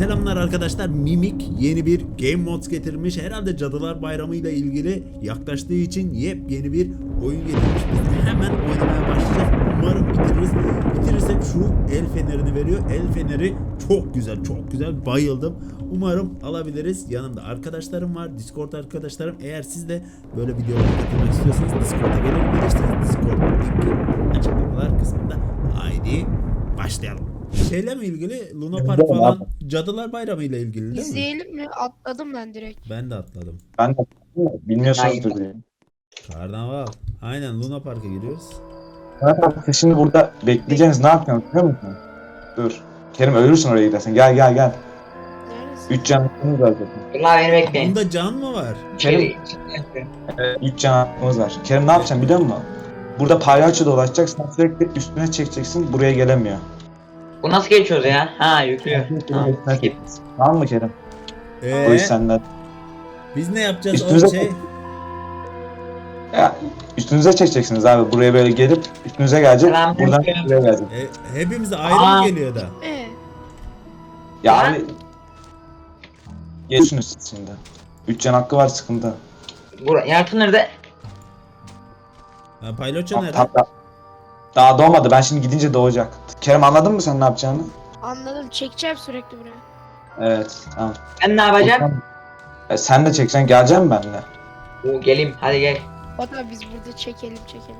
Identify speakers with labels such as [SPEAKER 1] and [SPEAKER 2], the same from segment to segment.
[SPEAKER 1] Selamlar arkadaşlar. Mimik yeni bir Game Mods getirmiş. Herhalde Cadılar Bayramı ile ilgili yaklaştığı için yepyeni bir oyun getirmiş. Biz de hemen oynamaya başlayacağız. Umarım bitiririz. Bitirirsek şu el fenerini veriyor. El feneri çok güzel, çok güzel. Bayıldım. Umarım alabiliriz. Yanımda arkadaşlarım var. Discord arkadaşlarım. Eğer siz de böyle videolara katılmak istiyorsanız Discord'a gelebilirsiniz. Discord linki açıklamalar kısmında. Haydi başlayalım. Şeyle mi ilgili? Luna Park falan, Cadılar Bayramı ile ilgili değil mi?
[SPEAKER 2] İzleyelim mi? Atladım ben direkt.
[SPEAKER 1] Ben de atladım.
[SPEAKER 3] Ben de bilmiyorsunuzdur diye.
[SPEAKER 1] Karnaval. Aynen Luna Park'a giriyoruz.
[SPEAKER 3] Siz şimdi burada bekleyeceğiniz ne yapıyorsunuz biliyor musun? Dur. Kerim ölürsün oraya gidersen. Gel.
[SPEAKER 2] Neredesin?
[SPEAKER 3] 3 can hakkımız var zaten.
[SPEAKER 4] Bunlar beni bekleyin.
[SPEAKER 1] Bunda can mı var?
[SPEAKER 4] Kerim.
[SPEAKER 3] 3 can hakkımız var. Kerim ne yapacaksın biliyor musun? Burada palyaço dolaşacaksın. Sürekli üstüne çekeceksin. Buraya gelemiyor.
[SPEAKER 4] Bu nasıl geçiyoruz ya? Ha yüklüyor. Tamam. Skip.
[SPEAKER 3] Tamam mı Kerim? Bu iş senden.
[SPEAKER 1] Biz ne yapacağız
[SPEAKER 3] Üstünüze-
[SPEAKER 1] o şey?
[SPEAKER 3] Ya, üstünüze çekeceksiniz abi. Buraya böyle gelip üstünüze gelecek.
[SPEAKER 4] Selam,
[SPEAKER 3] Buradan
[SPEAKER 4] Kerim.
[SPEAKER 3] buraya gelecek.
[SPEAKER 1] Hepimize ayrı mı geliyor da?
[SPEAKER 3] Ya
[SPEAKER 4] Ben-
[SPEAKER 3] abi. Geçsiniz siz şimdi. 3 can hakkı var sıkıntı.
[SPEAKER 4] Yarkın nerede?
[SPEAKER 1] Ha, Payloço nerede?
[SPEAKER 3] Daha doğmadı. Ben şimdi gidince doğacak. Kerem anladın mı sen ne yapacağını?
[SPEAKER 2] Anladım. Çekeceğim sürekli buraya.
[SPEAKER 3] Evet. Tamam.
[SPEAKER 4] Ben ne yapacağım?
[SPEAKER 3] Sen de çekeceksin. Geleceksin benimle.
[SPEAKER 4] Geleyim hadi gel.
[SPEAKER 2] Hatta biz burada çekelim.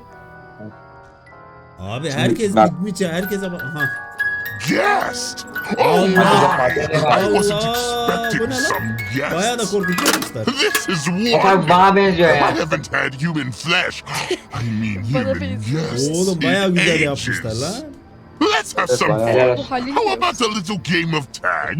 [SPEAKER 1] Abi
[SPEAKER 3] Şimdi
[SPEAKER 1] herkes
[SPEAKER 3] ben-
[SPEAKER 1] gitmiş ya. Herkese bak. Aha.
[SPEAKER 5] Guest!
[SPEAKER 1] Allah!
[SPEAKER 5] I wasn't
[SPEAKER 1] Allah!
[SPEAKER 5] expecting
[SPEAKER 1] Bu ne lan?
[SPEAKER 5] some
[SPEAKER 1] Bayağı da
[SPEAKER 5] guests.
[SPEAKER 1] korkutuyormuşlar.
[SPEAKER 5] This is
[SPEAKER 4] Bak
[SPEAKER 5] one.
[SPEAKER 4] bana benziyor
[SPEAKER 5] I
[SPEAKER 4] ya.
[SPEAKER 5] haven't had human flesh. I mean
[SPEAKER 2] Bana
[SPEAKER 5] human
[SPEAKER 2] benziyor.
[SPEAKER 5] guests.
[SPEAKER 1] Oğlum bayağı
[SPEAKER 5] in
[SPEAKER 1] güzel
[SPEAKER 5] ages.
[SPEAKER 1] yapmışlar lan.
[SPEAKER 5] Let's have
[SPEAKER 3] Evet,
[SPEAKER 5] some
[SPEAKER 3] bayağı.
[SPEAKER 5] fun.
[SPEAKER 4] Helal
[SPEAKER 2] Bu
[SPEAKER 4] olsun.
[SPEAKER 2] Halil
[SPEAKER 5] How
[SPEAKER 2] de-
[SPEAKER 5] about a little game of tag?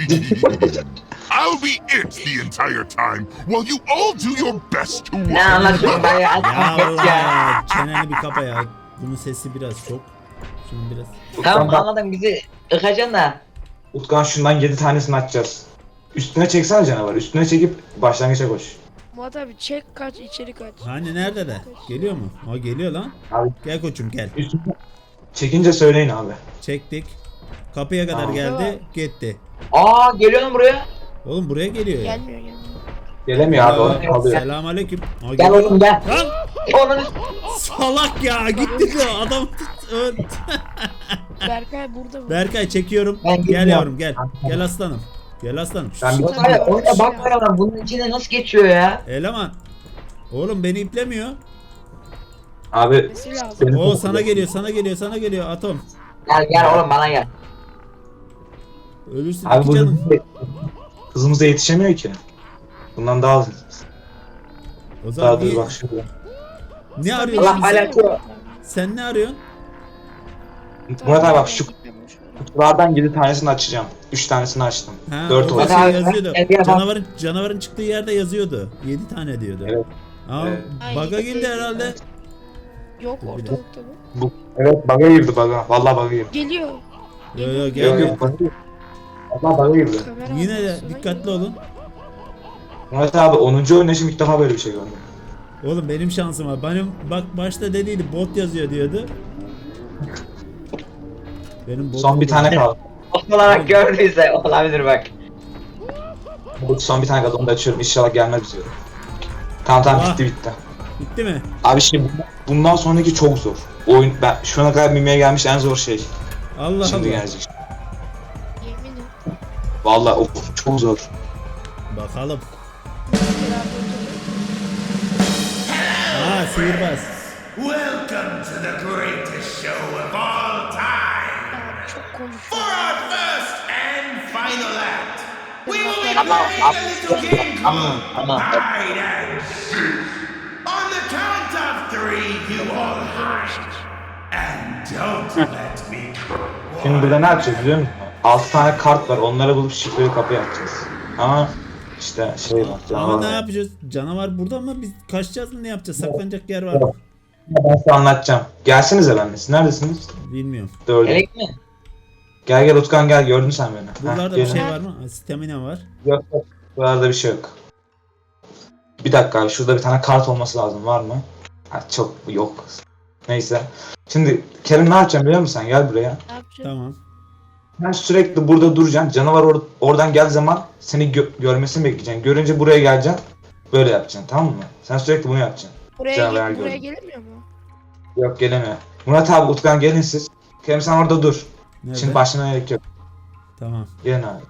[SPEAKER 5] I'll be it the entire time while you all do your best to
[SPEAKER 4] Ne
[SPEAKER 5] win.
[SPEAKER 4] anlatıyorsun ben ya?
[SPEAKER 1] Ya
[SPEAKER 4] Geç ya.
[SPEAKER 1] Allah! Çeneni bir kapa ya. Bunun sesi biraz çok. Şunun biraz.
[SPEAKER 4] Tamam anladım bizi ıkacaksın da.
[SPEAKER 3] Utkan şundan 7 tanesini açacağız. Üstüne çeksene canavar. Üstüne çekip başlangıça koş.
[SPEAKER 2] Murat abi çek kaç içeri kaç.
[SPEAKER 1] Hani nerede de? Geliyor mu? O geliyor lan.
[SPEAKER 3] Abi.
[SPEAKER 1] Gel koçum gel.
[SPEAKER 3] Üstüne çekince söyleyin abi.
[SPEAKER 1] Çektik. Kapıya kadar
[SPEAKER 3] Tamam.
[SPEAKER 1] geldi. Gitti.
[SPEAKER 4] Aa geliyor lan buraya.
[SPEAKER 1] Oğlum buraya geliyor ya.
[SPEAKER 2] Gelmiyor.
[SPEAKER 3] Gelemiyor abi. Orada kalıyor.
[SPEAKER 1] Selamünaleyküm. Aa,
[SPEAKER 4] Gel
[SPEAKER 1] geliyor.
[SPEAKER 4] oğlum gel.
[SPEAKER 1] Lan
[SPEAKER 4] Onun
[SPEAKER 1] salak ya gitti de adam
[SPEAKER 2] Berkay burada mı?
[SPEAKER 1] Berkay çekiyorum.
[SPEAKER 4] Ben
[SPEAKER 1] Gel
[SPEAKER 4] gidiyorum.
[SPEAKER 1] yavrum gel. Gel aslanım. Gel aslanım.
[SPEAKER 3] Ben bir-
[SPEAKER 4] Abi oyuna bak var ama bunun içinde nasıl geçiyor ya?
[SPEAKER 1] Eleman. Oğlum beni iplemiyor.
[SPEAKER 3] Abi
[SPEAKER 2] Nesi lazım?
[SPEAKER 3] benim-
[SPEAKER 1] O sana geliyor, sana geliyor, sana geliyor Atom.
[SPEAKER 4] Gel oğlum bana gel.
[SPEAKER 1] Ölürsün
[SPEAKER 3] Abi
[SPEAKER 1] iki
[SPEAKER 3] bu
[SPEAKER 1] canım.
[SPEAKER 3] hızımıza yetişemiyor ki. Bundan daha hızlı.
[SPEAKER 1] O zaman
[SPEAKER 3] Daha dur
[SPEAKER 1] iyi.
[SPEAKER 3] bak şurada.
[SPEAKER 1] Ne
[SPEAKER 4] Allah
[SPEAKER 1] arıyorsun sen?
[SPEAKER 4] alakası.
[SPEAKER 1] Sen ne arıyorsun?
[SPEAKER 3] Murat abi bak şu kutulardan 7 tanesini açacağım. 3 tanesini açtım.
[SPEAKER 1] Ha,
[SPEAKER 3] 4
[SPEAKER 1] orada
[SPEAKER 3] oldu.
[SPEAKER 1] şey
[SPEAKER 4] Bak abi,
[SPEAKER 1] yazıyordu.
[SPEAKER 4] gel, gel, bak.
[SPEAKER 1] Canavarın çıktığı yerde yazıyordu. 7 tane diyordu.
[SPEAKER 3] Evet.
[SPEAKER 1] Aa,
[SPEAKER 3] Evet.
[SPEAKER 1] baga girdi herhalde.
[SPEAKER 2] Yok ortalıkta bu.
[SPEAKER 3] Evet bug'a girdi bug'a. Vallahi bug'a girdi.
[SPEAKER 2] Geliyor.
[SPEAKER 1] Yo yo
[SPEAKER 3] Yok
[SPEAKER 1] gel.
[SPEAKER 3] yok bug'a girdi. Vallahi bug'a girdi.
[SPEAKER 2] Kamera
[SPEAKER 1] Yine de
[SPEAKER 2] arkasına
[SPEAKER 1] dikkatli
[SPEAKER 2] geliyor.
[SPEAKER 1] olun.
[SPEAKER 3] Murat abi 10. oynayışım ilk defa böyle bir şey gördüm.
[SPEAKER 1] Oğlum benim şansım var. Benim bak başta dediydi bot yazıyor diyordu. Benim bot
[SPEAKER 3] Son bir tane kaldı.
[SPEAKER 4] Olarak gördüyse olabilir bak.
[SPEAKER 3] Son bir tane kaldı onu da açıyorum. İnşallah gelmez diyorum. Tamam
[SPEAKER 1] Ah.
[SPEAKER 3] bitti.
[SPEAKER 1] Bitti mi?
[SPEAKER 3] Abi şimdi bundan sonraki çok zor. Oyun ben şu ana kadar mimeye gelmiş en zor şey.
[SPEAKER 1] Allah
[SPEAKER 3] Şimdi
[SPEAKER 1] Allah.
[SPEAKER 3] gelecek.
[SPEAKER 2] Yeminim.
[SPEAKER 3] Vallahi çok zor.
[SPEAKER 1] Bakalım. Aa sihirbaz.
[SPEAKER 6] Welcome to the greatest show of all time.
[SPEAKER 2] Abi çok
[SPEAKER 6] For
[SPEAKER 2] konuşuyor.
[SPEAKER 6] our first and final act, we will be playing a little game called Hide and Seek. On the count of 3, you all hide. And don't let me
[SPEAKER 3] Şimdi burada ne yapacağız biliyor musun? 6 tane kart var. Onları bulup şifreli kapı yapacağız. Ama işte şey var.
[SPEAKER 1] Ama
[SPEAKER 3] canavar
[SPEAKER 1] ne
[SPEAKER 3] var.
[SPEAKER 1] yapacağız? Canavar burada mı? Biz kaçacağız mı? Ne yapacağız? Saklanacak yer var mı?
[SPEAKER 3] Ben size anlatacağım. Gelsenize benimle. Siz neredesiniz?
[SPEAKER 1] Bilmiyorum.
[SPEAKER 3] Dördü.
[SPEAKER 4] Gerek mi?
[SPEAKER 3] Gel Utkan gel. Gördün sen beni.
[SPEAKER 1] Buralarda
[SPEAKER 3] Heh,
[SPEAKER 1] bir
[SPEAKER 3] gelin.
[SPEAKER 1] şey var mı? Ha, stamina var.
[SPEAKER 3] Yok yok. Buralarda bir şey yok. Bir dakika abi. Şurada bir tane kart olması lazım. Var mı? Ha, çok yok. Neyse. Şimdi Kerim ne yapacağım biliyor musun sen? Gel buraya.
[SPEAKER 2] Ne yapacağız?
[SPEAKER 1] Tamam.
[SPEAKER 3] Sen sürekli burada duracaksın. Canavar oradan geldiği zaman seni görmesini bekleyeceksin. Görünce buraya geleceksin. Böyle yapacaksın, tamam mı? Sen sürekli bunu yapacaksın. Canavar
[SPEAKER 2] Buraya
[SPEAKER 3] gördüm.
[SPEAKER 2] gelemiyor mu?
[SPEAKER 3] Yok, gelemiyor. Murat abi, Utkan gelin siz. Kerem sen orada dur.
[SPEAKER 1] Nerede?
[SPEAKER 3] Şimdi başlamaya gerek yok.
[SPEAKER 1] Tamam.
[SPEAKER 3] Gelin abi.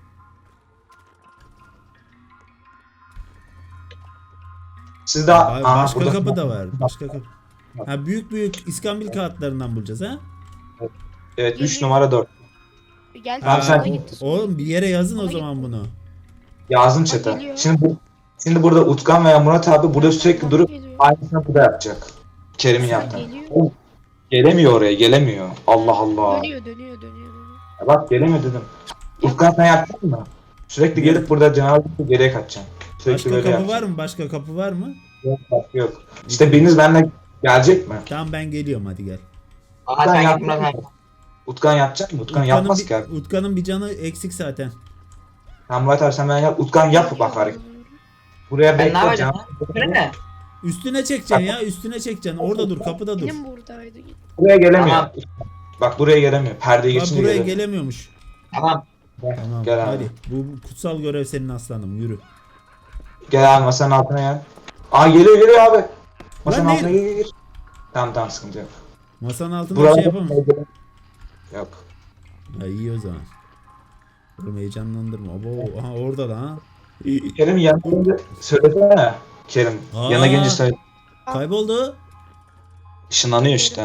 [SPEAKER 3] Siz daha...
[SPEAKER 1] Başka
[SPEAKER 3] burada-
[SPEAKER 1] kapı da var. Başka kapı. Ha, büyük iskambil kağıtlarından bulacağız ha?
[SPEAKER 3] Evet, 3 numara 4.
[SPEAKER 2] Gel
[SPEAKER 3] Abi sen-
[SPEAKER 2] sola gitti.
[SPEAKER 1] Oğlum bir yere yazın o
[SPEAKER 2] Sola
[SPEAKER 1] zaman
[SPEAKER 2] gitti.
[SPEAKER 1] bunu.
[SPEAKER 3] Yazdım
[SPEAKER 2] Bak
[SPEAKER 3] chat'e.
[SPEAKER 2] geliyor.
[SPEAKER 3] Şimdi burada Utkan veya Murat abi burada sürekli
[SPEAKER 2] Bak
[SPEAKER 3] durup
[SPEAKER 2] geliyor.
[SPEAKER 3] aynısını burada yapacak. Kerim'in
[SPEAKER 2] Bak
[SPEAKER 3] yaptığı.
[SPEAKER 2] geliyor.
[SPEAKER 3] Gelemiyor oraya, gelemiyor. Allah Allah.
[SPEAKER 2] Dönüyor.
[SPEAKER 3] Bak gelemiyor dedim. Utkan sen yaptın mı? Sürekli gelip burada canavar geriye kaçacaksın. Sürekli
[SPEAKER 1] Başka
[SPEAKER 3] böyle
[SPEAKER 1] kapı var
[SPEAKER 3] yapacaksın.
[SPEAKER 1] mı? Başka kapı var mı?
[SPEAKER 3] Yok. İşte biriniz benimle gelecek mi?
[SPEAKER 1] Tamam ben geliyorum hadi gel.
[SPEAKER 4] Aha
[SPEAKER 3] Utkan
[SPEAKER 4] sen
[SPEAKER 3] yaptı
[SPEAKER 4] gitme
[SPEAKER 3] mı?
[SPEAKER 4] sen.
[SPEAKER 3] Utkan yapacak mı? Utkan yapmaz ki abi.
[SPEAKER 1] Utkan'ın bir canı eksik zaten.
[SPEAKER 3] Tamam Murat abi sen ben yap. Utkan yap bak hareket. Buraya
[SPEAKER 4] Ben ne
[SPEAKER 3] bekle
[SPEAKER 4] yapacağım?
[SPEAKER 3] canavar.
[SPEAKER 4] Böyle ne?
[SPEAKER 1] Üstüne çekeceksin ya, üstüne çekeceksin. Orada dur, kapıda dur.
[SPEAKER 2] Benim buradaydı. Git.
[SPEAKER 3] Buraya gelemiyor.
[SPEAKER 4] Tamam.
[SPEAKER 3] Bak buraya gelemiyor. Perdeyi
[SPEAKER 1] Bak
[SPEAKER 3] geçince
[SPEAKER 1] buraya
[SPEAKER 3] gelemiyor.
[SPEAKER 1] gelemiyormuş.
[SPEAKER 4] Tamam.
[SPEAKER 1] Tamam
[SPEAKER 3] Gel abi.
[SPEAKER 1] hadi. Bu kutsal görev senin aslanım, yürü.
[SPEAKER 3] Gel abi masanın altına gel. Aa geliyor abi. Masanın
[SPEAKER 1] Lan
[SPEAKER 3] altına gir. Tamam sıkıntı yok.
[SPEAKER 1] Masanın altında
[SPEAKER 3] Buraya
[SPEAKER 1] bir şey yapamam.
[SPEAKER 3] Yok.
[SPEAKER 1] Ha, iyi o zaman. Oğlum heyecanlandırma. Abo, aha orada da ha.
[SPEAKER 3] Kerim yanına gelince söylesene. Kerim
[SPEAKER 1] Aa.
[SPEAKER 3] yanına gelince söyle.
[SPEAKER 1] Kayboldu.
[SPEAKER 3] Işınlanıyor işte.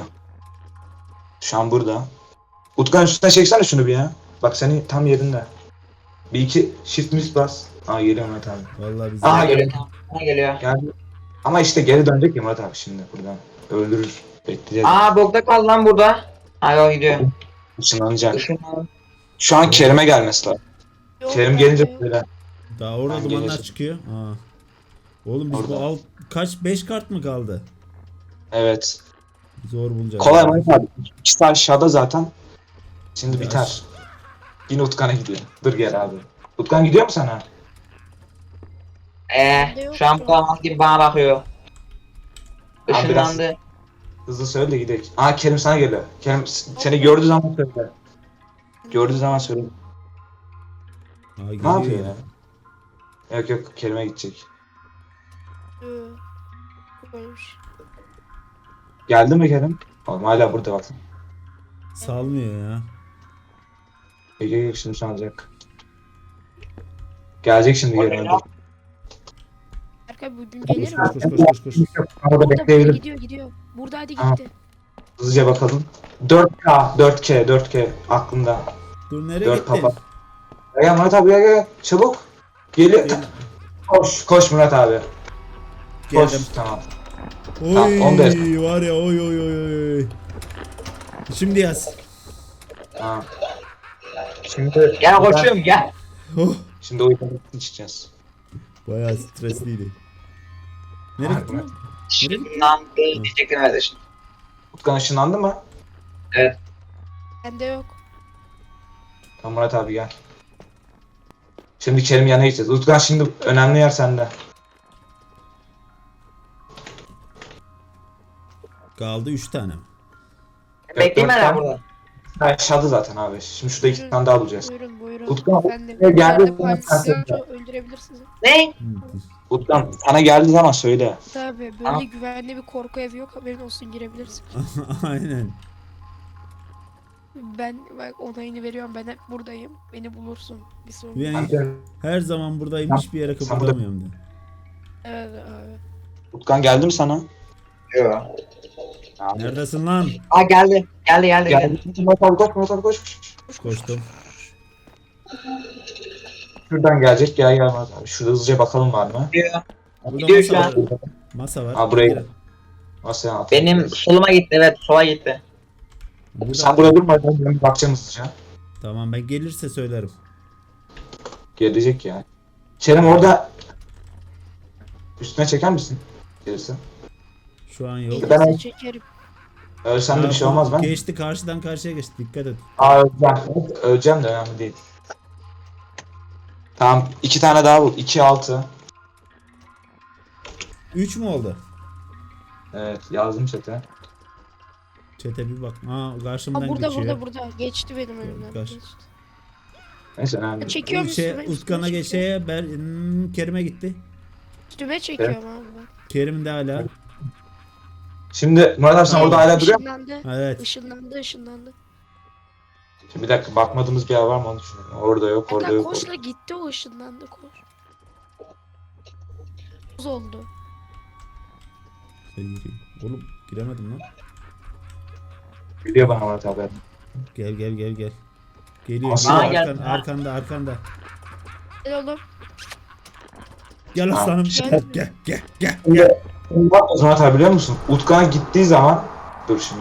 [SPEAKER 3] Şu an burada. Utkan üstüne çeksene şunu bir ya. Bak seni tam yerinde. Bir iki shift miss bas. Aa geliyor Murat abi.
[SPEAKER 1] Vallahi bize.
[SPEAKER 3] Aha
[SPEAKER 4] Geliyor.
[SPEAKER 3] geliyor.
[SPEAKER 4] Bana geliyor.
[SPEAKER 3] Geldi. Ama işte geri dönecek ya Murat abi şimdi buradan. Öldürür. Bekleyeceğiz.
[SPEAKER 4] Aa bokta kaldı lan burada. Ha yok gidiyor.
[SPEAKER 3] Işınlanacak.
[SPEAKER 4] Işınlan.
[SPEAKER 3] Şu an Kerim'e gelmesi lazım.
[SPEAKER 2] Yok,
[SPEAKER 3] Kerim
[SPEAKER 2] bende
[SPEAKER 3] gelince
[SPEAKER 2] yok.
[SPEAKER 3] böyle.
[SPEAKER 1] Daha orada
[SPEAKER 3] Ben
[SPEAKER 1] dumanlar
[SPEAKER 3] geleceğim.
[SPEAKER 1] çıkıyor. Aa. Oğlum biz bu
[SPEAKER 3] Orada.
[SPEAKER 1] kaç 5 kart mı kaldı?
[SPEAKER 3] Evet.
[SPEAKER 1] Zor bulacağız.
[SPEAKER 3] Kolay Murat abi. İkisi aşağıda zaten. Şimdi
[SPEAKER 1] Ya.
[SPEAKER 3] biter. Yine Utkan'a gidiyor. Dur gel abi. Utkan gidiyor mu sana?
[SPEAKER 4] Şu an bulamaz gibi bana bakıyor.
[SPEAKER 3] Abi biraz-
[SPEAKER 4] Işınlandı.
[SPEAKER 3] Hızlı söyle de gidelim. Aa Kerim sana geliyor. Kerim seni gördüğü zaman söyle. Gördüğü zaman söyle.
[SPEAKER 1] Aa,
[SPEAKER 3] Ne
[SPEAKER 1] geliyor
[SPEAKER 3] yapıyor ya? Yok Kerim'e gidecek.
[SPEAKER 2] Koymuş.
[SPEAKER 3] Geldi mi Kerim? Oğlum hala burada bak.
[SPEAKER 1] Salmıyor ya.
[SPEAKER 3] Ege şimdi çalacak. Gelecek şimdi Kerim.
[SPEAKER 2] Berkay bugün
[SPEAKER 1] Koş
[SPEAKER 2] gelir mi?
[SPEAKER 1] koş.
[SPEAKER 3] Orada
[SPEAKER 2] Burada
[SPEAKER 3] bekleyebilir.
[SPEAKER 2] gidiyor. Burada hadi
[SPEAKER 3] Tamam.
[SPEAKER 2] gitti.
[SPEAKER 3] Hızlıca bakalım. 4K aklımda.
[SPEAKER 1] Dur nereye
[SPEAKER 3] 4
[SPEAKER 1] gittin?
[SPEAKER 3] papa. Gel Murat abi gel. Çabuk. Geliyor.
[SPEAKER 1] Gel.
[SPEAKER 3] Koş Murat abi. Koş.
[SPEAKER 1] Geldim.
[SPEAKER 3] Tamam.
[SPEAKER 1] Oy
[SPEAKER 3] Tamam, 15.
[SPEAKER 1] var ya oy. Şimdi yaz.
[SPEAKER 3] Tamam. Şimdi
[SPEAKER 4] Gel koşuyorum gel.
[SPEAKER 1] Oh.
[SPEAKER 3] Şimdi o yüzden içeceğiz.
[SPEAKER 1] Bayağı stresliydi. Nereye
[SPEAKER 3] Harbi
[SPEAKER 1] gittin
[SPEAKER 3] mi?
[SPEAKER 1] lan?
[SPEAKER 4] Işınlandı diyecektim kardeşim.
[SPEAKER 3] Utkan ışınlandı mı?
[SPEAKER 2] Bende yok.
[SPEAKER 3] Tamam Murat abi gel. Şimdi Kerim yanına gideceğiz. Utkan şimdi önemli yer sende.
[SPEAKER 1] Kaldı 3 tane.
[SPEAKER 4] Bekleyeyim ben
[SPEAKER 3] dört
[SPEAKER 4] lan
[SPEAKER 3] tane.
[SPEAKER 4] burada.
[SPEAKER 3] Aşağıda zaten abi. Şimdi şurada 2 tane daha bulacağız.
[SPEAKER 2] Buyurun.
[SPEAKER 3] Utkan,
[SPEAKER 2] Efendim.
[SPEAKER 3] geldi
[SPEAKER 2] Geldi.
[SPEAKER 3] zaman sen söyle.
[SPEAKER 2] Öldürebilirsiniz.
[SPEAKER 4] Ne?
[SPEAKER 3] Utkan sana geldiği zaman söyle.
[SPEAKER 2] Tabii böyle
[SPEAKER 4] Tamam.
[SPEAKER 2] güvenli bir korku evi yok, haberin olsun, girebilirsin.
[SPEAKER 1] Aynen.
[SPEAKER 2] Ben bak onayını veriyorum, ben hep buradayım. Beni bulursun bir sorun.
[SPEAKER 1] Yani her zaman buradayım, hiçbir yere
[SPEAKER 3] Sen
[SPEAKER 1] kıpırdamıyorum de.
[SPEAKER 2] Evet abi.
[SPEAKER 3] Utkan geldi mi sana?
[SPEAKER 4] Yok.
[SPEAKER 1] Neredesin lan?
[SPEAKER 4] Aa geldi. Geldi.
[SPEAKER 3] Geldi. Murat abi koş.
[SPEAKER 1] Koştum.
[SPEAKER 3] Şuradan gelecek gel Murat abi. Şurada hızlıca bakalım var mı?
[SPEAKER 4] Gidiyor.
[SPEAKER 1] Burada
[SPEAKER 4] Gidiyor şu
[SPEAKER 1] masa
[SPEAKER 4] an.
[SPEAKER 1] var. Masa var.
[SPEAKER 3] Aa, buraya- Masaya at.
[SPEAKER 4] Benim soluma gitti, evet sola gitti.
[SPEAKER 1] Burada.
[SPEAKER 3] Sen burada durma. Ben bakacağım hızlıca.
[SPEAKER 1] Tamam, ben gelirse söylerim.
[SPEAKER 3] Gelecek ya. Kerem orada üstüne çeker misin? Gelirse.
[SPEAKER 1] Şu an yok.
[SPEAKER 3] Ben-
[SPEAKER 2] Elinize çekerim.
[SPEAKER 3] Ölsem de
[SPEAKER 1] Aa,
[SPEAKER 3] bir şey olmaz ben.
[SPEAKER 1] Geçti, karşıdan karşıya geçti. Dikkat et.
[SPEAKER 3] Aa öleceğim. Öleceğim de önemli değil. Tamam 2 tane daha bul. 2 6.
[SPEAKER 1] 3 mü oldu?
[SPEAKER 3] Evet yazdım chat'e.
[SPEAKER 1] Çete bir bak. Aa
[SPEAKER 2] Aa,
[SPEAKER 1] karşımdan
[SPEAKER 2] burada
[SPEAKER 1] geçiyor.
[SPEAKER 2] burada. Geçti benim önümden.
[SPEAKER 1] Kaç.
[SPEAKER 2] Geçti.
[SPEAKER 3] Neyse önemli.
[SPEAKER 2] Çekiyorum üstüme.
[SPEAKER 1] Utkan'a geçeye Kerim'e gitti.
[SPEAKER 2] Üstüme çekiyorum abi ben.
[SPEAKER 1] Kerim de hala.
[SPEAKER 3] Şimdi Murat abi sen orada hala duruyor musun?
[SPEAKER 2] Işınlandı.
[SPEAKER 1] Evet.
[SPEAKER 2] Işınlandı.
[SPEAKER 3] Şimdi bir dakika bakmadığımız bir yer var mı onu düşünüyorum. Orada yok, orada
[SPEAKER 2] Hatta
[SPEAKER 3] yok.
[SPEAKER 2] koşla gitti o ışınlandı koş. Buz oldu.
[SPEAKER 1] Sen gireyim. Oğlum giremedim lan.
[SPEAKER 3] Geliyor bana Murat abi.
[SPEAKER 1] Gel. Geliyor.
[SPEAKER 3] Aa,
[SPEAKER 1] Geliyor.
[SPEAKER 4] gel.
[SPEAKER 1] Arkanda.
[SPEAKER 2] Gel oğlum.
[SPEAKER 1] Gel aslanım.
[SPEAKER 2] Gel.
[SPEAKER 1] Gel.
[SPEAKER 3] Ne yapacağız Murat abi biliyor musun? Utkan'a gittiği zaman... Dur şimdi.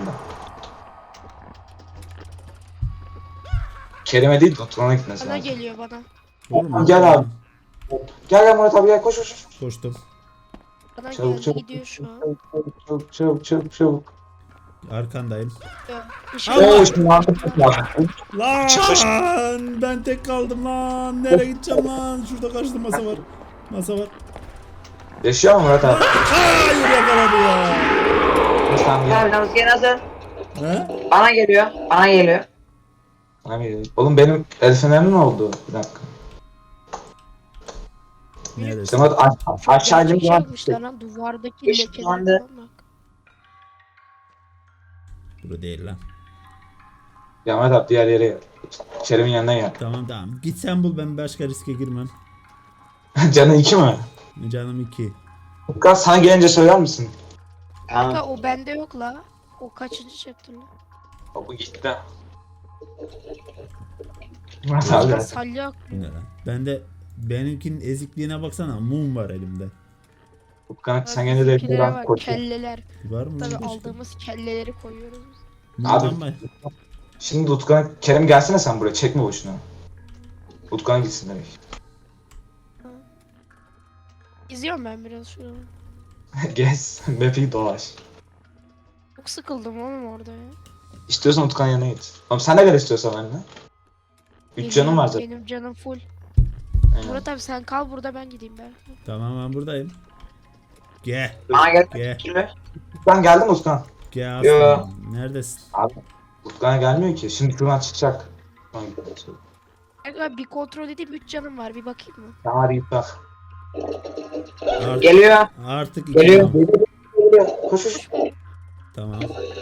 [SPEAKER 3] Kerem'e değil de Utkan'a gitmesi
[SPEAKER 2] Bana
[SPEAKER 3] lazım.
[SPEAKER 2] geliyor bana.
[SPEAKER 1] Oğlum,
[SPEAKER 3] Gel abi. Gel Murat abi gel koş.
[SPEAKER 1] Koştum.
[SPEAKER 2] Bana
[SPEAKER 3] Çabuk,
[SPEAKER 2] geldi
[SPEAKER 3] çabuk.
[SPEAKER 2] gidiyor şu an.
[SPEAKER 3] Çabuk.
[SPEAKER 1] Arkandayım.
[SPEAKER 2] Işınlandı.
[SPEAKER 3] Oo şimdi artık lazım.
[SPEAKER 1] Lan ben tek kaldım lan. Nereye gideceğim lan? Şurada karşıda masa var.
[SPEAKER 3] Yaşıyor mu Murat abi?
[SPEAKER 1] Hayır yakaladı ya.
[SPEAKER 3] Tamam gel.
[SPEAKER 4] Abi maske nasıl?
[SPEAKER 1] He?
[SPEAKER 4] Bana geliyor.
[SPEAKER 3] Abi, oğlum benim el fenerim ne oldu? Bir dakika.
[SPEAKER 1] Neresi?
[SPEAKER 3] İşte Murat aşağı
[SPEAKER 2] Gerçek
[SPEAKER 3] indim
[SPEAKER 2] şey
[SPEAKER 3] zaman.
[SPEAKER 2] yapmışlar lan duvardaki
[SPEAKER 4] Işınlandı.
[SPEAKER 2] lekeler falan bak.
[SPEAKER 1] Bura değil lan.
[SPEAKER 3] Ya Murat abi diğer yere gel. Kerem'in yanına gel.
[SPEAKER 1] Tamam. Git sen bul, ben başka riske girmem.
[SPEAKER 3] Canın 2 mi?
[SPEAKER 1] Canım 2.
[SPEAKER 3] Utkan sana gelince söyler misin?
[SPEAKER 4] Tamam.
[SPEAKER 2] Ha, o bende yok la. O kaçıncı chapter lan?
[SPEAKER 3] Bu gitti. Murat abi.
[SPEAKER 2] Ya salyak.
[SPEAKER 1] Bu ne lan? Benimkinin ezikliğine baksana. Mum var elimde.
[SPEAKER 3] Utkan sen gene de
[SPEAKER 2] Bizimkilere
[SPEAKER 3] buradan
[SPEAKER 2] bak,
[SPEAKER 3] koş.
[SPEAKER 2] kelleler.
[SPEAKER 1] Var mı?
[SPEAKER 2] Tabii
[SPEAKER 1] başka?
[SPEAKER 2] aldığımız kelleleri koyuyoruz biz.
[SPEAKER 1] Mumdan
[SPEAKER 3] Abi.
[SPEAKER 1] mı?
[SPEAKER 3] Şimdi Utkan, Kerem gelsene sen buraya çekme boşuna. Utkan gitsin demek.
[SPEAKER 2] İzliyorum ben biraz şunu.
[SPEAKER 3] Gez, map'i dolaş.
[SPEAKER 2] Çok sıkıldım oğlum orada ya.
[SPEAKER 3] İstiyorsan Utkan yanına git. Oğlum sen de gel istiyorsan benimle. 3 canım var zaten.
[SPEAKER 2] Benim canım full.
[SPEAKER 3] Aynen.
[SPEAKER 2] Murat abi sen kal burada ben gideyim ben.
[SPEAKER 1] Tamam ben buradayım. Gel.
[SPEAKER 4] Bana
[SPEAKER 1] Gel.
[SPEAKER 4] gel.
[SPEAKER 3] Utkan geldi mi Utkan?
[SPEAKER 1] Gel
[SPEAKER 4] Yo.
[SPEAKER 1] aslanım. Neredesin?
[SPEAKER 3] Abi. Utkan gelmiyor ki. Şimdi şuradan çıkacak. Utkan gidiyor.
[SPEAKER 2] Abi bir kontrol edeyim 3 canım var bir bakayım mı?
[SPEAKER 3] Tamam hadi git bak.
[SPEAKER 4] Geliyor.
[SPEAKER 1] Artık 2
[SPEAKER 4] Geliyor.
[SPEAKER 1] canım.
[SPEAKER 3] Koş koş.
[SPEAKER 1] Tamam.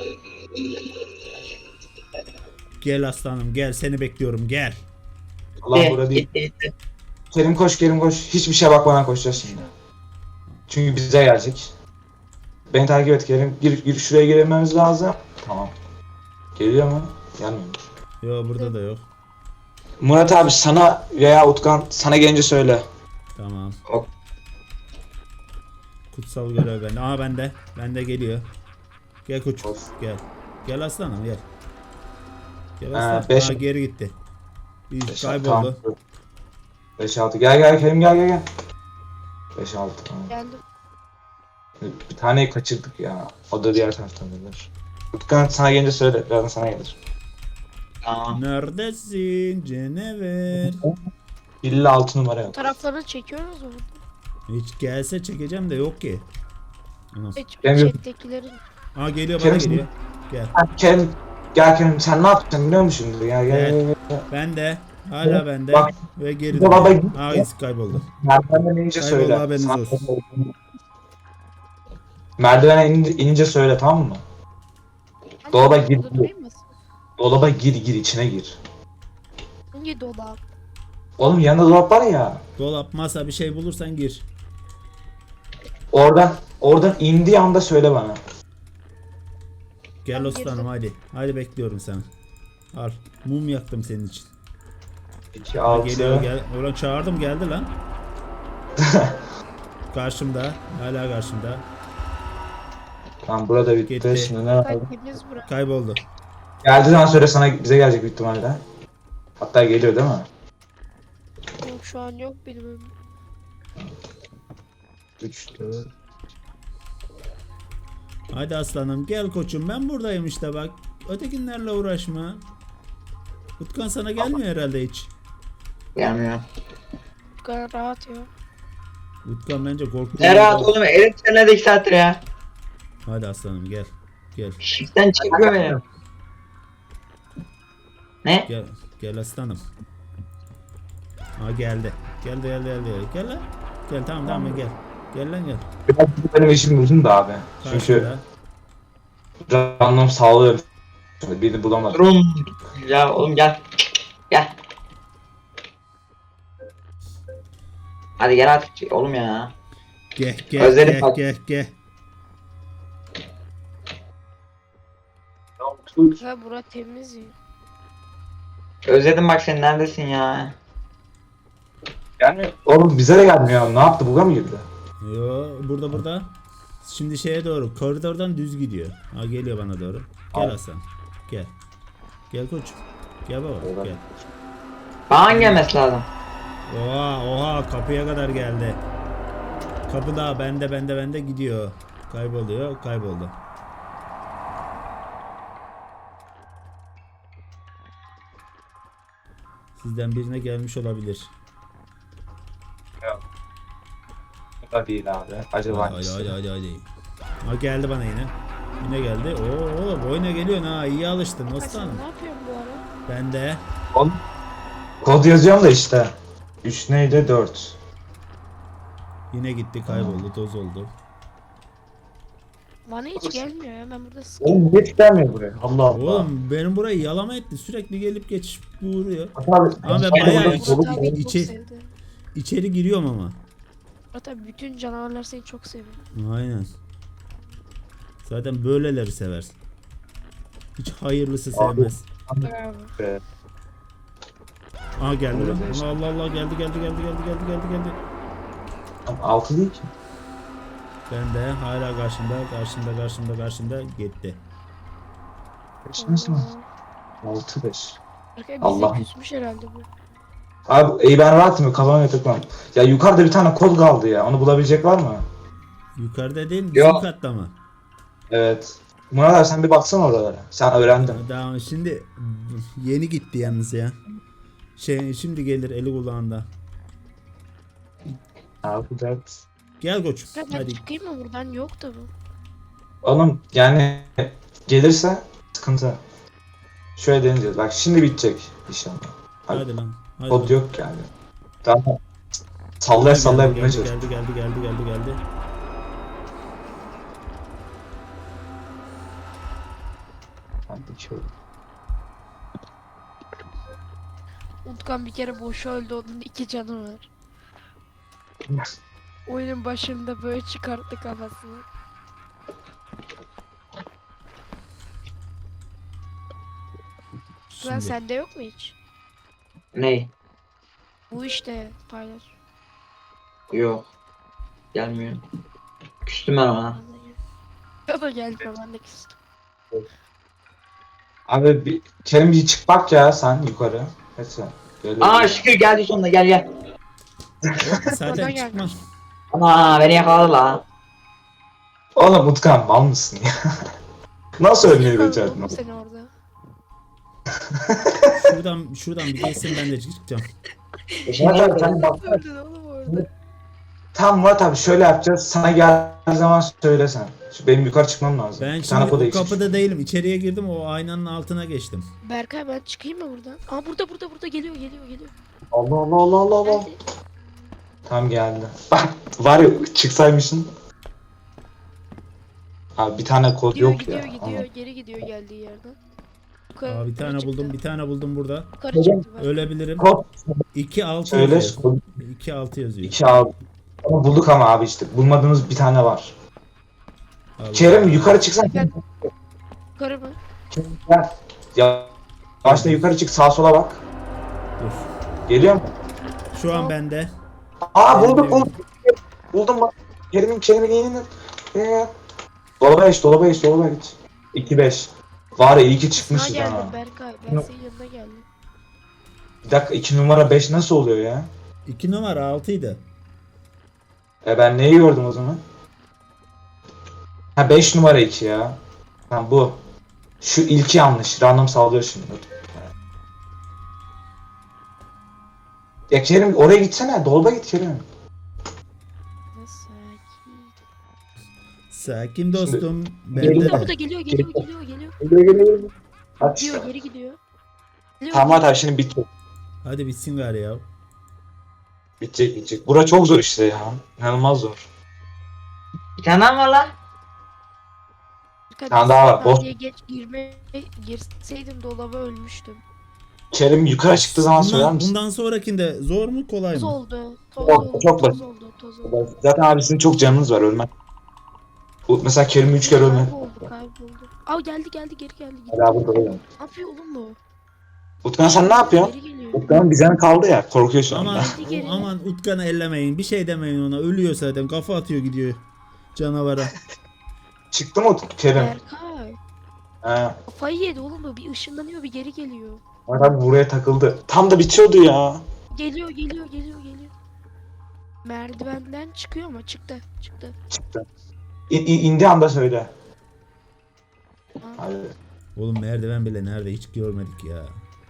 [SPEAKER 1] Gel aslanım gel, seni bekliyorum gel.
[SPEAKER 3] Allah burada değil.
[SPEAKER 4] Gitti.
[SPEAKER 3] Kerim koş Kerim koş. Hiçbir şeye bakmadan koşacağız şimdi. Çünkü bize gelecek. Beni takip et Kerim. Gir şuraya girmemiz lazım. Tamam. Geliyor mu? Gelmiyor.
[SPEAKER 1] Yo burada da yok.
[SPEAKER 3] Murat abi sana veya Utkan sana gelince söyle.
[SPEAKER 1] Tamam.
[SPEAKER 3] Hop.
[SPEAKER 1] Kutsal görev bende. Aa bende. Bende geliyor. Gel koç.
[SPEAKER 3] Of.
[SPEAKER 1] Gel. Gel gel. Gel
[SPEAKER 3] Ha,
[SPEAKER 1] aslanım.
[SPEAKER 3] beş-
[SPEAKER 1] Aa geri gitti. İyi,
[SPEAKER 3] Beş-
[SPEAKER 1] kayboldu.
[SPEAKER 3] tamam. 5-6 gel Kerim gel. 5-6 tamam.
[SPEAKER 2] Geldim.
[SPEAKER 3] Bir taneyi kaçırdık ya. O da diğer taraftan gelir. Utkan sana gelince söyle. Birazdan sana gelir.
[SPEAKER 4] Tamam.
[SPEAKER 1] Neredesin Cenever?
[SPEAKER 3] İlla 6 numara yok.
[SPEAKER 2] Taraflarını çekiyoruz mu?
[SPEAKER 1] Hiç gelse çekeceğim de yok ki. Anam.
[SPEAKER 3] Benim-
[SPEAKER 2] Chat'tekilerin.
[SPEAKER 1] Aa geliyor bana
[SPEAKER 3] Kerim-
[SPEAKER 1] geliyor. Gel.
[SPEAKER 3] Kerim gel Kerim sen ne yapacaksın biliyor musun şimdi? Gel.
[SPEAKER 1] Ben de. Hala bende.
[SPEAKER 3] Bak.
[SPEAKER 1] Ve geri
[SPEAKER 3] Baba,
[SPEAKER 1] dönüyor. Aa iz kayboldu.
[SPEAKER 3] Merdivenden inince
[SPEAKER 1] Kayboldu,
[SPEAKER 3] söyle.
[SPEAKER 1] haberiniz
[SPEAKER 3] Sana-
[SPEAKER 1] olsun.
[SPEAKER 3] Merdivene inince söyle tamam mı? Dolaba
[SPEAKER 2] Hangi
[SPEAKER 3] gir.
[SPEAKER 2] dolapta durayım mı?
[SPEAKER 3] Dolaba gir içine gir.
[SPEAKER 2] Hangi dolap?
[SPEAKER 3] Oğlum yanında dolap var ya.
[SPEAKER 1] Dolap, masa bir şey bulursan gir.
[SPEAKER 3] Oradan indiği anda söyle bana.
[SPEAKER 1] Gel
[SPEAKER 2] Ben
[SPEAKER 1] aslanım
[SPEAKER 2] girdim.
[SPEAKER 1] hadi. Hadi bekliyorum seni. Al. Mum yaktım senin için.
[SPEAKER 3] 2
[SPEAKER 1] Ha,
[SPEAKER 3] 6
[SPEAKER 1] geliyor gel. Ulan çağırdım geldi lan. Karşımda. Hala karşımda.
[SPEAKER 3] Tamam burada bitti.
[SPEAKER 1] Gitti.
[SPEAKER 3] Şimdi ne yapalım?
[SPEAKER 2] Temiz bırak.
[SPEAKER 1] Kayboldu.
[SPEAKER 3] Geldiği zaman söyle sana bize gelecek büyük ihtimalle. Hatta geliyor değil mi?
[SPEAKER 2] Yok şu an yok benim önümde.
[SPEAKER 3] 3 4
[SPEAKER 1] Hadi aslanım gel koçum, ben buradayım işte bak. Ötekinlerle uğraşma. Utkan sana gelmiyor herhalde hiç.
[SPEAKER 4] Gelmiyor.
[SPEAKER 2] Bu kadar rahat ya.
[SPEAKER 1] Utkan bence korktu.
[SPEAKER 4] Ne rahat oğlum. Elim sana 2 saattir ya.
[SPEAKER 1] Hadi aslanım gel. Gel.
[SPEAKER 4] Shift'ten çıkıyor ya. Ne?
[SPEAKER 1] Gel. Gel aslanım. Aa geldi. Gel lan. Gel tamam gel. Gel lan gel.
[SPEAKER 3] Biraz benim işim uzun da abi. Çünkü
[SPEAKER 1] Karşıda.
[SPEAKER 3] random sağlıyorum. Birini bulamadım.
[SPEAKER 4] Durum. Ya oğlum gel. Gel. Hadi gel artık oğlum ya.
[SPEAKER 1] Gel
[SPEAKER 4] Özledim bak.
[SPEAKER 1] gel.
[SPEAKER 2] Ha bura temiz ya.
[SPEAKER 4] Özledim bak sen neredesin ya?
[SPEAKER 3] Gelmiyor. Oğlum bize de gelmiyor. Ne yaptı? Buga mı girdi?
[SPEAKER 1] Yo burada. Şimdi şeye doğru. Koridordan düz gidiyor. Ha geliyor bana doğru. Gel
[SPEAKER 3] Al.
[SPEAKER 1] Hasan. Gel. Gel koç. Gel baba gel.
[SPEAKER 4] Bana gelmesi lazım.
[SPEAKER 1] Oha kapıya kadar geldi. Kapı daha bende gidiyor. Kayboldu. Sizden birine gelmiş olabilir.
[SPEAKER 3] Bu da değil abi. Acaba hangisi?
[SPEAKER 1] Hadi. Ha geldi bana yine. Yine geldi. Oo boyuna geliyorsun ha. İyi alıştın
[SPEAKER 2] Ay,
[SPEAKER 1] Osman.
[SPEAKER 2] sen ne yapıyorsun bu ara?
[SPEAKER 1] Ben de.
[SPEAKER 3] Oğlum, kod yazıyorum da işte. 3 neydi? 4.
[SPEAKER 1] Yine gitti kayboldu toz oldu.
[SPEAKER 2] Bana hiç gelmiyor ya, ben burada sıkıyorum.
[SPEAKER 3] Oğlum niye gelmiyor buraya? Allah Allah.
[SPEAKER 1] Oğlum benim burayı yalama etti. Sürekli gelip geçip vuruyor.
[SPEAKER 3] Abi,
[SPEAKER 1] Ama ben
[SPEAKER 3] ben
[SPEAKER 1] bayağı
[SPEAKER 3] buradan
[SPEAKER 1] iç-
[SPEAKER 3] dolu
[SPEAKER 2] Murat abi çok
[SPEAKER 1] içi-
[SPEAKER 2] sevdi.
[SPEAKER 1] İçeri giriyorum ama.
[SPEAKER 2] Murat abi bütün canavarlar seni çok seviyor.
[SPEAKER 1] Aynen. Zaten böyleleri sever. Hiç hayırlısı sevmez.
[SPEAKER 2] Bravo.
[SPEAKER 3] be.
[SPEAKER 1] Aha geldi lan.
[SPEAKER 3] Öyle
[SPEAKER 1] Allah geldi.
[SPEAKER 3] Tam 6 değil ki.
[SPEAKER 1] Ben de hala karşımda gitti.
[SPEAKER 3] Kaç nasıl? 6 5.
[SPEAKER 2] Berkay bize
[SPEAKER 3] Allah'ım.
[SPEAKER 2] küsmüş herhalde bu.
[SPEAKER 3] Abi ben rahatım, kafama yatıklam. Ya yukarıda bir tane kod kaldı ya. Onu bulabilecek var mı?
[SPEAKER 1] Yukarıda değil bizim
[SPEAKER 4] Yok.
[SPEAKER 1] katta mı?
[SPEAKER 3] Evet. Murat abi sen bir baksana oralara. Sen öğrendin.
[SPEAKER 1] Daha şimdi yeni gitti yalnız ya. Şimdi gelir eli kulağında.
[SPEAKER 3] Abi dert.
[SPEAKER 1] Gel koçum
[SPEAKER 2] Ya ben
[SPEAKER 1] hadi.
[SPEAKER 2] çıkayım mı buradan, yok da bu.
[SPEAKER 3] Oğlum yani gelirse sıkıntı. Şöyle deneyeceğiz. Bak şimdi bitecek inşallah.
[SPEAKER 1] Hadi lan. Hadi
[SPEAKER 3] Kod
[SPEAKER 1] lan.
[SPEAKER 3] yok yani. Tamam. Sallaya sallaya bulmaya çalış.
[SPEAKER 1] Geldi.
[SPEAKER 3] Hadi şöyle.
[SPEAKER 2] Utkan bir kere boşa öldü, onun 2 canı var. Oyunun başında böyle çıkarttı kafasını. Lan
[SPEAKER 1] Şimdi.
[SPEAKER 2] sende yok mu hiç?
[SPEAKER 4] Ney?
[SPEAKER 2] Bu işte paylaş.
[SPEAKER 4] Yok. Gelmiyor. Küstüm ben ona.
[SPEAKER 2] Ya da gelmiyor, ben de küstüm.
[SPEAKER 3] Abi bir Kerim bir çık bak ya sen yukarı. Neyse. Gel.
[SPEAKER 4] Aa şükür geldi sonunda, gel.
[SPEAKER 1] Zaten
[SPEAKER 2] Oradan
[SPEAKER 1] çıkmaz.
[SPEAKER 4] Ama beni yakaladı la.
[SPEAKER 3] Oğlum Utkan mal mısın ya? Nasıl ölmeyi becerdin?
[SPEAKER 2] Oğlum seni orada.
[SPEAKER 1] Şuradan bir geçsin ben de çıkacağım.
[SPEAKER 3] Murat abi sen bak.
[SPEAKER 2] Öldün oğlum orada.
[SPEAKER 3] Tamam Murat abi şöyle yapacağız. Sana geldiği zaman söylesen. Benim yukarı çıkmam lazım.
[SPEAKER 1] Ben
[SPEAKER 3] Bir tane
[SPEAKER 1] şimdi
[SPEAKER 3] kod
[SPEAKER 1] o
[SPEAKER 3] eksik.
[SPEAKER 1] kapıda değilim. İçeriye girdim o aynanın altına geçtim.
[SPEAKER 2] Berkay ben çıkayım mı buradan? Aa burada geliyor.
[SPEAKER 3] Allah Allah Allah Allah Allah.
[SPEAKER 2] Geldi.
[SPEAKER 3] Tam geldi. Bak var ya çıksaymışsın. Abi bir tane kod
[SPEAKER 2] Gidiyor
[SPEAKER 3] yok ya.
[SPEAKER 2] gidiyor geri gidiyor geldiği yerden. Yukarı,
[SPEAKER 1] Aa, bir tane
[SPEAKER 2] çıktı.
[SPEAKER 1] buldum burada.
[SPEAKER 2] Yukarı çıktı bak.
[SPEAKER 1] Ölebilirim.
[SPEAKER 3] Kod
[SPEAKER 1] 2-6
[SPEAKER 3] söyle.
[SPEAKER 1] yazıyor. 2-6 yazıyor.
[SPEAKER 3] 2 al. Ama bulduk ama abi işte. Bulmadığımız bir tane var.
[SPEAKER 1] Allah.
[SPEAKER 3] Kerim yukarı çıksan.
[SPEAKER 2] Yukarı mı?
[SPEAKER 3] Gel. Ya başta yukarı çık, sağa sola bak.
[SPEAKER 1] Dur.
[SPEAKER 3] Geliyor mu?
[SPEAKER 1] Şu an bende.
[SPEAKER 3] Aa buldum. Buldum bak. Kerim'in yeğenini. Dolaba git. 2-5. Var ya iyi ki
[SPEAKER 2] Sana
[SPEAKER 3] çıkmışız ha.
[SPEAKER 2] geldim Berkay. Ben
[SPEAKER 3] Yok.
[SPEAKER 2] senin yanına geldim.
[SPEAKER 3] Bir dakika 2 numara 5 nasıl oluyor ya?
[SPEAKER 1] 2 numara 6'ydı.
[SPEAKER 3] Ben neyi gördüm o zaman? Ha 5 numara 2 ya. Ha bu. Şu ilki yanlış. Random sallıyor şimdi. Ya Kerim oraya gitsene. Dolaba git Kerim.
[SPEAKER 2] Nasıl ki?
[SPEAKER 1] Sakin dostum.
[SPEAKER 3] Geliyor.
[SPEAKER 1] Bende
[SPEAKER 2] Bu da
[SPEAKER 1] de.
[SPEAKER 2] geliyor geliyor geliyor geliyor.
[SPEAKER 3] Hadi
[SPEAKER 2] Gidiyor
[SPEAKER 3] işte.
[SPEAKER 2] geri gidiyor. Geliyor,
[SPEAKER 3] Tamam
[SPEAKER 2] geliyor.
[SPEAKER 3] hadi şimdi bitti.
[SPEAKER 1] Hadi bitsin gari ya.
[SPEAKER 3] Bitecek. Bura çok zor işte ya. İnanılmaz zor.
[SPEAKER 4] Bir tane daha mı var lan?
[SPEAKER 2] Birkaç
[SPEAKER 3] tane daha var, boş.
[SPEAKER 2] saniye geç girseydim dolaba ölmüştüm.
[SPEAKER 3] Kerim yukarı çıktığı zaman söyler misin?
[SPEAKER 1] Bundan sonrakinde zor mu kolay
[SPEAKER 2] Toz
[SPEAKER 1] mı?
[SPEAKER 2] oldu. Toz
[SPEAKER 3] Çok-
[SPEAKER 2] oldu.
[SPEAKER 3] çok
[SPEAKER 2] Toz
[SPEAKER 3] basit.
[SPEAKER 2] oldu. Toz oldu.
[SPEAKER 3] Zaten abi sizin çok canınız var ölmek. Mesela Kerim 3 kere ölmek.
[SPEAKER 2] Kayboldu. Aa geldi geri geldi.
[SPEAKER 3] Hadi abi burada
[SPEAKER 2] Ne yapıyor oğlum bu?
[SPEAKER 3] Utkan sen ne yapıyorsun?
[SPEAKER 2] Geri geliyor.
[SPEAKER 3] Utkan'ın bizden kaldı ya. Korkuyor şu anda.
[SPEAKER 1] Aman,
[SPEAKER 2] Geri.
[SPEAKER 1] aman Utkan'ı ellemeyin. Bir şey demeyin ona. Ölüyor zaten. Kafa atıyor gidiyor. Canavara.
[SPEAKER 3] Çıktı mı Kerim?
[SPEAKER 2] Berkay.
[SPEAKER 3] He.
[SPEAKER 2] Kafayı yedi oğlum bu. Bir ışınlanıyor bir geri geliyor.
[SPEAKER 3] Adam buraya takıldı. Tam da bitiyordu ya.
[SPEAKER 2] Geliyor. Merdivenden çıkıyor mu? Çıktı.
[SPEAKER 3] Çıktı. İndi anda söyle. Hadi.
[SPEAKER 1] Oğlum merdiven bile nerede hiç görmedik ya.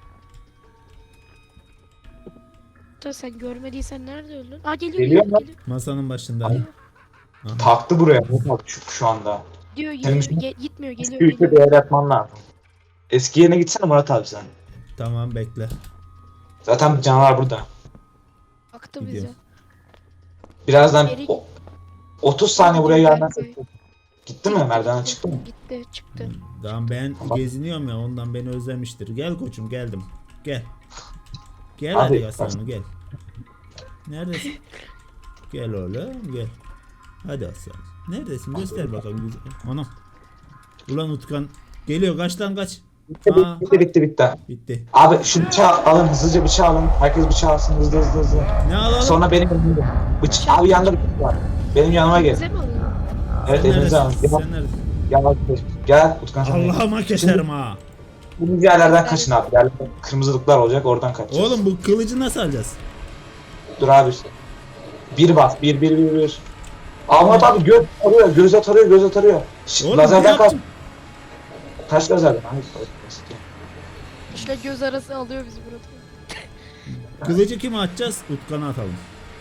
[SPEAKER 2] Da sen görmediysen nerede öldün? Aa
[SPEAKER 3] Geliyor mu?
[SPEAKER 2] geliyor.
[SPEAKER 1] Masanın başında.
[SPEAKER 3] Ay.
[SPEAKER 1] Aha.
[SPEAKER 3] Taktı buraya. Şu anda.
[SPEAKER 2] Gidiyor
[SPEAKER 3] Senin
[SPEAKER 2] gitmiyor
[SPEAKER 3] Eski
[SPEAKER 2] geliyor.
[SPEAKER 3] ülke bir yer yapman lazım. Eski yerine gitsene Murat abi sen.
[SPEAKER 1] Tamam bekle.
[SPEAKER 3] Zaten canavar burada.
[SPEAKER 2] Baktı
[SPEAKER 1] Gidiyor.
[SPEAKER 2] bize.
[SPEAKER 3] Birazdan
[SPEAKER 2] Geri-
[SPEAKER 3] 30 saniye buraya
[SPEAKER 2] Gidiyor
[SPEAKER 3] gelmezse
[SPEAKER 2] Berkay.
[SPEAKER 3] gitti mi? Merdivenden çıktı mı?
[SPEAKER 2] Çıktı.
[SPEAKER 1] Tamam ben geziniyorum ya ondan beni özlemiştir. Gel koçum geldim. Gel. Gel
[SPEAKER 3] Abi,
[SPEAKER 1] hadi aslanım gel. Neredesin? Gel oğlum gel. Hadi aslan. Neredesin? Göster bakalım. Anam. Ulan Utkan. Geliyor kaç lan kaç. Aa,
[SPEAKER 3] Bitti.
[SPEAKER 1] bitti.
[SPEAKER 3] Abi şu bıçağı alın hızlıca bıçağı alın. Herkes bıçağı alsın hızlı.
[SPEAKER 1] Ne alalım?
[SPEAKER 3] Sonra benim yanımda. Abi yanında bıçak var. Benim yanıma gel.
[SPEAKER 2] Bize mi alıyor?
[SPEAKER 3] Evet
[SPEAKER 1] Sen
[SPEAKER 3] elinize alın.
[SPEAKER 1] neredesin? Sen neredesin?
[SPEAKER 3] Gel Utkan sen de.
[SPEAKER 1] Allah'ıma keserim ha.
[SPEAKER 3] Bu yerlerden kaçın abi. Yerlerde kırmızılıklar olacak oradan kaçacağız.
[SPEAKER 1] Oğlum bu kılıcı nasıl alacağız?
[SPEAKER 3] Dur abi. Bir bas. Bir. Ahmet abi göz atarıyor.
[SPEAKER 1] Oğlum
[SPEAKER 3] Lazerden
[SPEAKER 1] ne
[SPEAKER 3] kaç.
[SPEAKER 1] yaptın?
[SPEAKER 3] Kaç lazerden?
[SPEAKER 2] İşte göz arası alıyor bizi burada.
[SPEAKER 1] Kılıcı kime atacağız? Utkan'a atalım.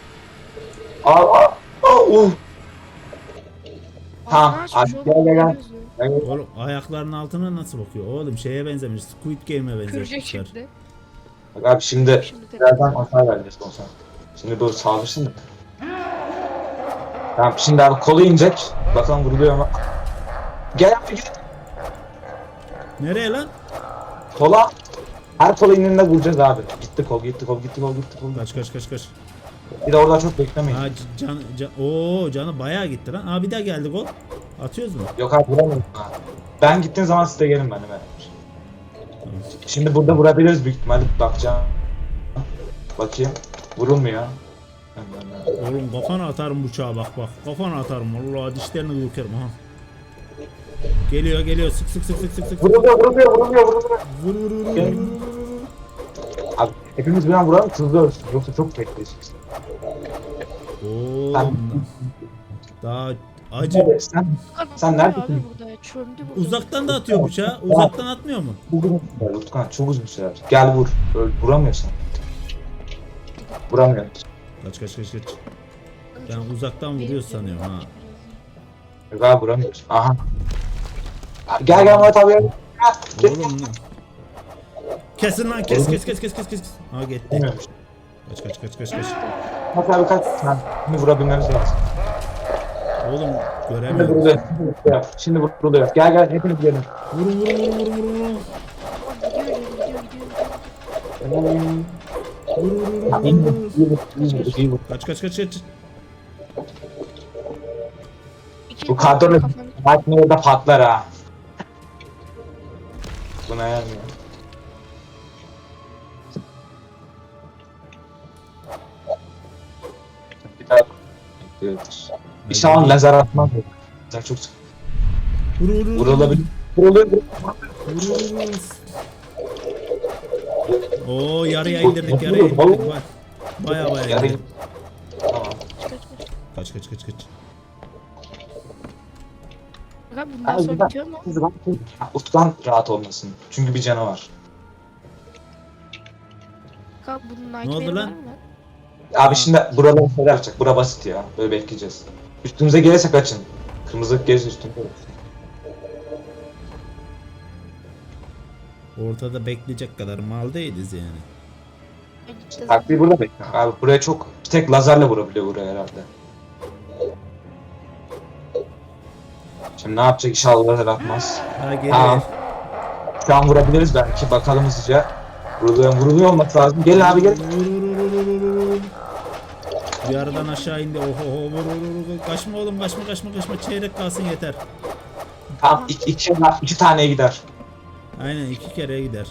[SPEAKER 3] Tamam,
[SPEAKER 2] Ağzını açmış
[SPEAKER 3] hadi
[SPEAKER 2] oğlum,
[SPEAKER 3] gel.
[SPEAKER 2] ne gözü?
[SPEAKER 1] Oğlum ayaklarının altına nasıl bakıyor? Oğlum şeye benzemiş. Squid Game'e
[SPEAKER 2] Kıracak
[SPEAKER 1] benzetmişler.
[SPEAKER 2] şimdi.
[SPEAKER 3] Bak abi şimdi
[SPEAKER 2] Şimdi de.
[SPEAKER 3] birazdan hasar vereceğiz olsan. Şimdi böyle saldırsın da. Tamam şimdi abi kolu inecek. Bakalım vuruluyor mu? Gel abi gel.
[SPEAKER 1] Nereye lan?
[SPEAKER 3] Kola. Her kola indiğinde vuracağız abi. Gitti kol.
[SPEAKER 1] Kaç.
[SPEAKER 3] Bir de orada çok beklemeyin.
[SPEAKER 1] Aa, canı bayağı gitti lan. Aa bir daha geldi gol. Atıyoruz mu?
[SPEAKER 3] Yok abi vuramıyorum. Ben gittiğim zaman siz de gelin benimle. Şimdi burada vurabiliriz büyük ihtimalle bakacağım. Bakayım. Vurulmuyor.
[SPEAKER 1] Oğlum kafana atarım bıçağı bak. Kafana atarım. Vallahi dişlerini dökerim ha. Geliyor. Sık.
[SPEAKER 3] Vuruluyor.
[SPEAKER 1] Vur.
[SPEAKER 3] Gel. Abi hepimiz bir an vuralım hızlı ölsün. Yoksa çok bekleyeceğiz.
[SPEAKER 1] Oğlum. Daha acı.
[SPEAKER 3] Abi, sen neredesin?
[SPEAKER 2] Abi burada çömdü burada.
[SPEAKER 1] Uzaktan da atıyor bıçağı. Uzaktan atmıyor mu?
[SPEAKER 3] Utkan çok uzun sürer. Gel vur. Vuramıyorsun. Vuramıyor.
[SPEAKER 1] Kaç. Ben uzaktan vuruyor sanıyorum ha.
[SPEAKER 3] Yok abi vuramıyorsun. Aha. Gel Murat abi. Gel.
[SPEAKER 1] Oğlum ne? Kesin lan kes. Ha gitti.
[SPEAKER 3] Vuramıyormuş.
[SPEAKER 1] Kaç.
[SPEAKER 3] Murat abi kaç. Şimdi vurabilmemiz lazım.
[SPEAKER 1] Oğlum
[SPEAKER 3] Şimdi
[SPEAKER 1] göremiyorum.
[SPEAKER 3] vuruluyor. Şimdi vuruluyor. Gel hepiniz gelin.
[SPEAKER 1] Vurun.
[SPEAKER 3] İyi vur.
[SPEAKER 1] Kaç.
[SPEAKER 3] Bu kadro bak ne orada patlar ha. Buna yarmıyor. Bir daha. Evet. İnşallah lazer atmaz. Lazer çok sık. Vurulabilir. Vuruluyor.
[SPEAKER 1] Oo yarıya indirdik. Bak. Baya
[SPEAKER 3] Yarı.
[SPEAKER 1] indirdik.
[SPEAKER 3] Tamam.
[SPEAKER 1] Kaç.
[SPEAKER 2] Abi bundan sonra bitiyor mu?
[SPEAKER 3] Utkan rahat olmasın. Çünkü bir canavar.
[SPEAKER 2] Abi bunun
[SPEAKER 1] Ne oldu
[SPEAKER 2] nightmare'ı
[SPEAKER 1] lan?
[SPEAKER 2] var mı?
[SPEAKER 3] Abi şimdi buraları şeyler yapacak. Bura basit ya. Böyle bekleyeceğiz. Üstümüze gelirse kaçın. Kırmızılık gez üstünde.
[SPEAKER 1] Ortada bekleyecek kadar mal değiliz yani.
[SPEAKER 2] Ben işte
[SPEAKER 3] Taktiği burada bekle. Abi buraya çok bir tek lazerle vurabiliyor buraya herhalde. Şimdi ne yapacak inşallah lazer atmaz.
[SPEAKER 1] Ha gel.
[SPEAKER 3] Tamam. Şu an vurabiliriz belki bakalım hızlıca. Vuruluyor olması lazım. Gel abi gel.
[SPEAKER 1] Bir aradan aşağı indi. Oho vur. Kaçma oğlum kaçma. Çeyrek kalsın yeter.
[SPEAKER 3] Tamam iki taneye gider.
[SPEAKER 1] Aynen 2 kere gider.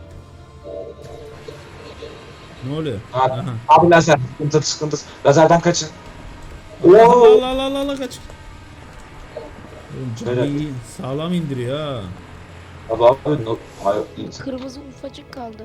[SPEAKER 1] Ne oluyor?
[SPEAKER 3] Abi,
[SPEAKER 1] Aha.
[SPEAKER 3] abi lazer sıkıntı. Lazerden kaçın.
[SPEAKER 1] Allah kaç. Oğlum canı
[SPEAKER 3] Böyle.
[SPEAKER 1] iyi, sağlam indiriyor ha.
[SPEAKER 3] Abi hayır.
[SPEAKER 2] kırmızı ufacık kaldı.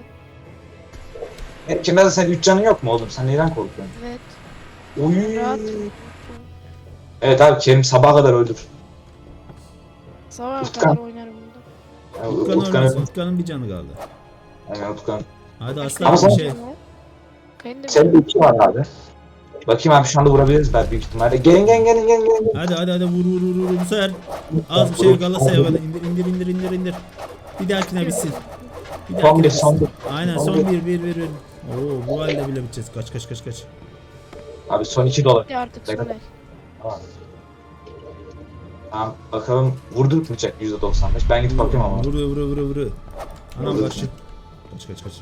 [SPEAKER 3] Kimde sen 3 canın yok mu oğlum? Sen neyden korkuyorsun?
[SPEAKER 2] Evet.
[SPEAKER 3] Oy.
[SPEAKER 2] Rahat.
[SPEAKER 3] Evet abi Kerim sabaha kadar öldür.
[SPEAKER 2] Sabaha
[SPEAKER 3] Utkan.
[SPEAKER 2] kadar oynarım burada.
[SPEAKER 3] Yani
[SPEAKER 1] Utkan
[SPEAKER 3] Utkan
[SPEAKER 1] ölmesin. Utkan'ın bir canı kaldı.
[SPEAKER 3] Yani Utkan.
[SPEAKER 1] Hadi
[SPEAKER 3] Ama
[SPEAKER 1] aslan
[SPEAKER 3] sen-
[SPEAKER 1] bir şey.
[SPEAKER 2] Benim de
[SPEAKER 3] Senin de 2 var abi. Bakayım abi şu anda vurabiliriz belki büyük ihtimalle. Gelin.
[SPEAKER 1] Hadi vur bu sefer. Az bir şey Galatasaray'a indir. Bir dahakine bitsin.
[SPEAKER 3] Son bir.
[SPEAKER 1] Aynen
[SPEAKER 3] Son
[SPEAKER 1] son
[SPEAKER 3] bir.
[SPEAKER 1] bir. Oo bu halde bile biteceğiz. Kaç.
[SPEAKER 3] Abi son 2 dolar.
[SPEAKER 2] artık
[SPEAKER 3] Bekle.
[SPEAKER 2] Soner.
[SPEAKER 3] Tamam bakalım vurdurtmayacak %95. Ben gidip bakayım ama.
[SPEAKER 1] Vuru. Anam
[SPEAKER 3] Vurdu.
[SPEAKER 1] karşı. Kaç.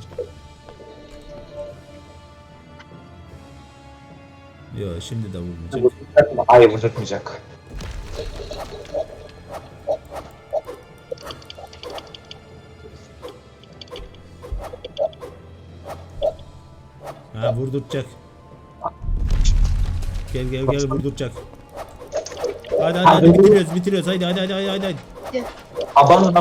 [SPEAKER 1] Yo şimdi de vurmayacak.
[SPEAKER 3] Hayır vurdurtmayacak.
[SPEAKER 1] Ha vurduracak. Gel vurduracak. Hadi bitiriyoruz. Hadi.
[SPEAKER 3] Aban.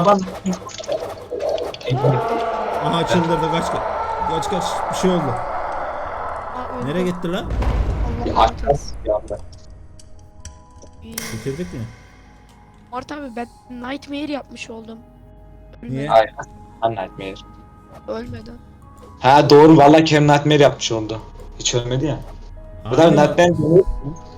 [SPEAKER 1] Aha çıldırdı kaç. Bir şey oldu.
[SPEAKER 2] Aa, öldü.
[SPEAKER 1] Nereye gitti lan?
[SPEAKER 2] Allah
[SPEAKER 3] Aç
[SPEAKER 2] rahmet eylesin.
[SPEAKER 3] bir anda.
[SPEAKER 2] İyi.
[SPEAKER 1] Bitirdik mi?
[SPEAKER 2] Mart abi ben Nightmare yapmış oldum.
[SPEAKER 1] Niye?
[SPEAKER 3] Hayır. Nightmare.
[SPEAKER 2] Ölmeden.
[SPEAKER 3] Ha doğru vallahi Kerim Nightmare yapmış oldu. Hiç ölmedi ya. Bu da
[SPEAKER 1] Harbi mi?
[SPEAKER 3] Nightmare